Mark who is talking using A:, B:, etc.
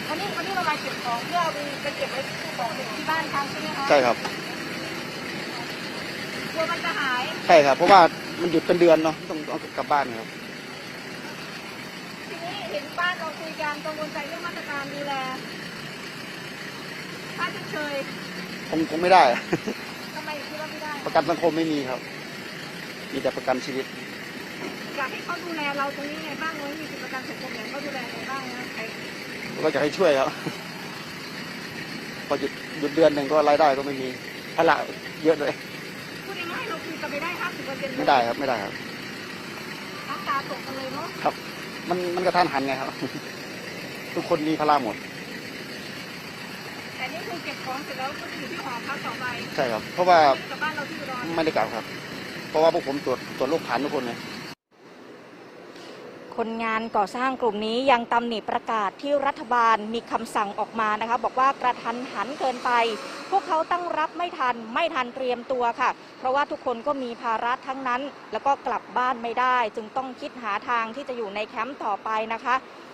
A: วันนี้เรามาเก็บของเพื่อไปเก็บไว้ที่บ้านทางใช่ไหมคะ
B: ใช่ครับ
A: กลัวมันจะหาย
B: ใช่ครับเพราะว่ามันหยุดเป็นเดือนเนาะต้องกลับบ้านครับ
A: ทีนี้เห็นบ้านเราคุยกันกังวลใจเรื่องมาตรการดูแลค่าชดเชย
B: คงไม่ได้
A: ทำไมคิดว่าไม่ได้
B: ประกันสังคมไม่มีครับมีแต่ประกันชีวิต
A: อยากให้เขาดูแลเราตรงนี้ไงบ้างเลยมีสิทธิประกันสังคมอย่างเขาดูแลไงบ้างนะ
B: ก็อยากให้ช่วยครับพอหยุดเดือนหนึ่งก็รายได้ก็ไม่มีภาระเยอะเลย
A: พูดง่ายๆเราคุยกันไปได้50%
B: ไม่ได้ครับไม่ได้ครับ
A: น้ำตาตกกันเลยเนาะ
B: ครับมันกระทันหันไงครับทุกคนมีภาระหมด
A: แต่นี่คือเก็บของเสร็จแล้วก็อยู่ที่หอพักต่อไป
B: ใช่ครับเพราะว่า
A: กับบ้านเราที่อุดร
B: ไม่ได้กลับครับเพราะว่าพวกผมตรวจโรคผ่านทุกคนเลย
A: คนงานก่อสร้างกลุ่มนี้ยังตำหนิประกาศที่รัฐบาลมีคำสั่งออกมานะคะบอกว่ากระทันหันเกินไปพวกเขาตั้งรับไม่ทันเตรียมตัวค่ะเพราะว่าทุกคนก็มีภาระทั้งนั้นแล้วก็กลับบ้านไม่ได้จึงต้องคิดหาทางที่จะอยู่ในแคมป์ต่อไปนะคะ